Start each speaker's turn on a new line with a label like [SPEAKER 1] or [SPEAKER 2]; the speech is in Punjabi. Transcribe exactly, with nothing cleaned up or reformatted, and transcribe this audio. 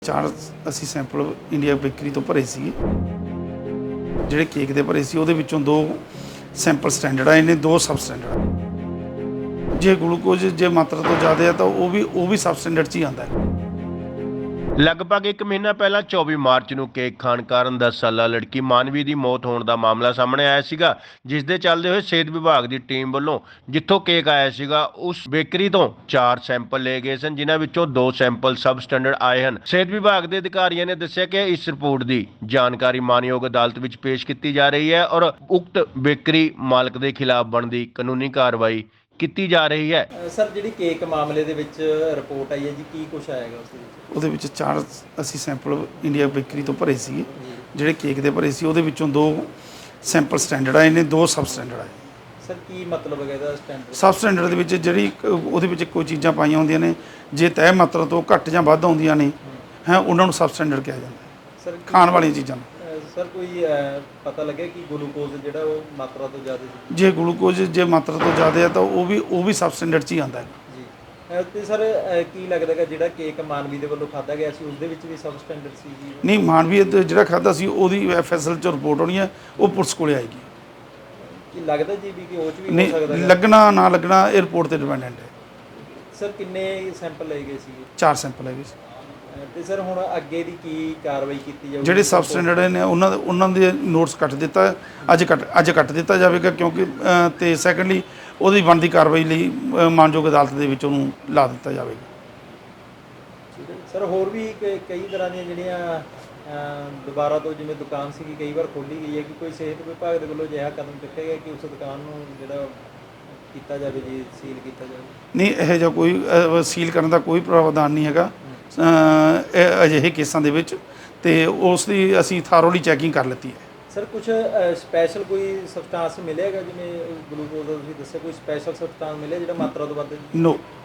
[SPEAKER 1] ਚਾਰ ਅਸੀਂ ਸੈਂਪਲ ਇੰਡੀਆ ਬੇਕਰੀ ਤੋਂ ਭਰੇ ਸੀ। ਜਿਹੜੇ ਕੇਕ ਦੇ ਭਰੇ ਸੀ ਉਹਦੇ ਵਿੱਚੋਂ ਦੋ ਸੈਂਪਲ ਸਟੈਂਡਰਡ ਆਏ ਨੇ, ਦੋ ਸਬ ਸਟੈਂਡਰਡ। ਜੇ ਗਲੂਕੋਜ਼ ਜੇ ਮਾਤਰਾ ਤੋਂ ਜ਼ਿਆਦਾ ਹੈ ਤਾਂ ਉਹ ਵੀ ਉਹ ਵੀ ਸਬ ਸਟੈਂਡਰਡ 'ਚ ਹੀ ਆਉਂਦਾ ਹੈ।
[SPEAKER 2] ਲਗਭਗ ਇੱਕ ਮਹੀਨਾ ਪਹਿਲਾਂ ਚੌਵੀ ਮਾਰਚ ਨੂੰ ਕੇਕ ਖਾਣ ਕਾਰਨ ਦਸ ਸਾਲਾ ਲੜਕੀ ਮਾਨਵੀ ਦੀ ਮੌਤ ਹੋਣ ਦਾ ਮਾਮਲਾ ਸਾਹਮਣੇ ਆਇਆ ਸੀਗਾ, ਜਿਸ ਦੇ ਚੱਲਦੇ ਹੋਏ ਸਿਹਤ ਵਿਭਾਗ ਦੀ ਟੀਮ ਵੱਲੋਂ ਜਿੱਥੋਂ ਕੇਕ ਆਇਆ ਸੀਗਾ ਉਸ ਬੇਕਰੀ ਤੋਂ ਚਾਰ ਸੈਂਪਲ ਲਏ ਗਏ ਸਨ, ਜਿਨ੍ਹਾਂ ਵਿੱਚੋਂ ਦੋ ਸੈਂਪਲ ਸਬ ਸਟੈਂਡਰਡ ਆਏ ਹਨ। ਸਿਹਤ ਵਿਭਾਗ ਦੇ ਅਧਿਕਾਰੀਆਂ ਨੇ ਦੱਸਿਆ ਕਿ ਇਸ ਰਿਪੋਰਟ ਦੀ ਜਾਣਕਾਰੀ ਮਾਨਯੋਗ ਅਦਾਲਤ ਵਿੱਚ ਪੇਸ਼ ਕੀਤੀ ਜਾ ਰਹੀ ਹੈ ਔਰ ਉਕਤ ਬੇਕਰੀ ਮਾਲਕ ਦੇ ਖਿਲਾਫ ਬਣਦੀ ਕਾਨੂੰਨੀ ਕਾਰਵਾਈ ਕੀਤੀ ਜਾ ਰਹੀ ਹੈ।
[SPEAKER 3] ਸਰ, ਜਿਹੜੀ ਕੇਕ ਮਾਮਲੇ ਦੇ ਵਿੱਚ ਰਿਪੋਰਟ ਆਈ ਹੈ ਜੀ, ਕੀ ਕੁਝ ਆਏਗਾ ਉਸ ਦੇ ਵਿੱਚ?
[SPEAKER 1] ਉਹਦੇ ਵਿੱਚ ਚਾਰ ਅਸੀਂ ਸੈਂਪਲ ਇੰਡੀਆ ਬੇਕਰੀ ਤੋਂ ਭਰੇ ਸੀ। ਜਿਹੜੇ ਕੇਕ ਦੇ ਭਰੇ ਸੀ ਉਹਦੇ ਵਿੱਚੋਂ ਦੋ ਸੈਂਪਲ ਸਟੈਂਡਰਡ ਆਏ ਨੇ, ਦੋ ਸਬ ਸਟੈਂਡਰਡ ਆਏ।
[SPEAKER 3] ਸਰ, ਕੀ ਮਤਲਬ ਹੈ ਇਹਦਾ ਸਟੈਂਡਰਡ?
[SPEAKER 1] ਸਬ ਸਟੈਂਡਰਡ ਦੇ ਵਿੱਚ ਜਿਹੜੀ ਉਹਦੇ ਵਿੱਚ ਕੋਈ ਚੀਜ਼ਾਂ ਪਾਈਆਂ ਹੁੰਦੀਆਂ ਨੇ, ਜੇ ਤੈਅ ਮਾਤਰਾ ਤੋਂ ਘੱਟ ਜਾਂ ਵੱਧ ਆਉਂਦੀਆਂ ਨੇ ਹੈ ਉਹਨਾਂ ਨੂੰ ਸਬ ਸਟੈਂਡਰਡ ਕਿਹਾ ਜਾਂਦਾ ਹੈ।
[SPEAKER 3] ਸਰ,
[SPEAKER 1] ਖਾਣ ਵਾਲੀਆਂ ਚੀਜ਼ਾਂ ਨੂੰ
[SPEAKER 3] ਸਰ ਕੋਈ ਪਤਾ ਲੱਗਿਆ ਕਿ ਗਲੂਕੋਜ਼ ਜਿਹੜਾ ਉਹ ਮਾਤਰਾ ਤੋਂ ਜ਼ਿਆਦਾ ਸੀ?
[SPEAKER 1] ਜੇ ਗਲੂਕੋਜ਼ ਜੇ ਮਾਤਰਾ ਤੋਂ ਜ਼ਿਆਦਾ ਹੈ ਤਾਂ ਉਹ ਵੀ ਉਹ ਵੀ ਸਬ ਸਟੈਂਡਰਡ 'ਚ ਹੀ ਆਉਂਦਾ ਹੈ
[SPEAKER 3] ਜੀ। ਤੇ ਸਰ ਕੀ ਲੱਗਦਾ ਕਿ ਜਿਹੜਾ ਕੇਕ ਮਾਨਵੀ ਦੇ ਵੱਲੋਂ ਖਾਧਾ ਗਿਆ ਸੀ ਉਸ ਦੇ ਵਿੱਚ ਵੀ ਸਬ ਸਟੈਂਡਰਡ ਸੀ ਜੀ?
[SPEAKER 1] ਨਹੀਂ, ਮਾਨਵੀ ਜਿਹੜਾ ਖਾਧਾ ਸੀ ਉਹਦੀ ਐਫ ਐਸ ਐਲ 'ਚ ਰਿਪੋਰਟ ਆਉਣੀ ਹੈ, ਉਹ ਪੁਲਿਸ ਕੋਲੇ ਆਏਗੀ।
[SPEAKER 3] ਕੀ ਲੱਗਦਾ ਜੀ ਵੀ ਕਿ ਉਹ 'ਚ ਵੀ ਹੋ
[SPEAKER 1] ਨਹੀਂ,
[SPEAKER 3] ਸਕਦਾ ਹੈ?
[SPEAKER 1] ਲੱਗਣਾ ਨਾ ਲੱਗਣਾ ਇਹ ਰਿਪੋਰਟ ਤੇ ਡਿਪੈਂਡੈਂਟ ਹੈ।
[SPEAKER 3] ਸਰ, ਕਿੰਨੇ ਸੈਂਪਲ ਲਏ ਗਏ ਸੀ?
[SPEAKER 1] ਚਾਰ ਸੈਂਪਲ ਹੈਗੇ ਸੀ।
[SPEAKER 3] ਤੇ ਸਰ ਹੁਣ ਅੱਗੇ ਦੀ ਕੀ ਕਾਰਵਾਈ ਕੀਤੀ ਜਾਊਗੀ?
[SPEAKER 1] ਜਿਹੜੇ ਸਬ ਸਟੈਂਡਰਡ ਨੇ ਉਹਨਾਂ ਦੇ ਉਹਨਾਂ ਦੇ ਨੋਟਸ ਕੱਟ ਦਿੱਤਾ, ਅੱਜ ਕੱਟ ਅੱਜ ਕੱਟ ਦਿੱਤਾ ਜਾਵੇਗਾ, ਕਿਉਂਕਿ ਤੇ ਸੈਕੰਡਲੀ ਉਹਦੀ ਬਣਦੀ ਕਾਰਵਾਈ ਲਈ ਮਾਨਯੋਗ ਅਦਾਲਤ ਦੇ ਵਿੱਚ ਉਹਨੂੰ ਲਾ ਦਿੱਤਾ ਜਾਵੇਗਾ।
[SPEAKER 3] ਸਰ, ਹੋਰ ਵੀ ਕ- ਕਈ ਤਰ੍ਹਾਂ ਦੀਆਂ ਜਿਹੜੀਆਂ ਦੁਬਾਰਾ ਤੋਂ ਜਿਵੇਂ ਦੁਕਾਨ ਸੀਗੀ ਕਈ ਵਾਰ ਖੋਲ੍ਹੀ ਗਈ ਹੈ, ਕਿ ਕੋਈ ਸਿਹਤ ਵਿਭਾਗ ਦੇ ਵੱਲੋਂ ਅਜਿਹਾ ਕਦਮ ਚੁੱਕਿਆ ਗਿਆ ਕਿ ਉਸ ਦੁਕਾਨ ਨੂੰ ਜਿਹੜਾ ਕੀਤਾ ਜਾਵੇ ਜੀ, ਸੀਲ ਕੀਤਾ ਜਾਵੇ?
[SPEAKER 1] ਨਹੀਂ, ਇਹੋ ਜਿਹਾ ਕੋਈ ਅ, ਸੀਲ ਕਰਨ ਦਾ ਕੋਈ ਪ੍ਰਾਵਧਾਨ ਨਹੀਂ ਹੈਗਾ ਇਹ ਅਜਿਹੇ ਕੇਸਾਂ ਦੇ ਵਿੱਚ, ਤੇ ਉਸ ਦੀ ਅਸੀਂ ਥਾਰੋਲੀ ਚੈਕਿੰਗ ਕਰ ਲਿੱਤੀ ਹੈ।
[SPEAKER 3] ਸਰ, ਕੁਝ ਸਪੈਸ਼ਲ ਕੋਈ ਸਬਸਟੈਂਸ ਮਿਲੇਗਾ ਜਿਵੇਂ ਗਲੂਕੋਜ਼ ਦਾ ਤੁਸੀਂ ਦੱਸਿਆ, ਕੋਈ ਸਪੈਸ਼ਲ ਸਬਸਟੈਂਸ ਮਿਲਿਆ ਜਿਹੜਾ ਮਾਤਰਾ ਤੋਂ ਵੱਧ?
[SPEAKER 1] ਨੋ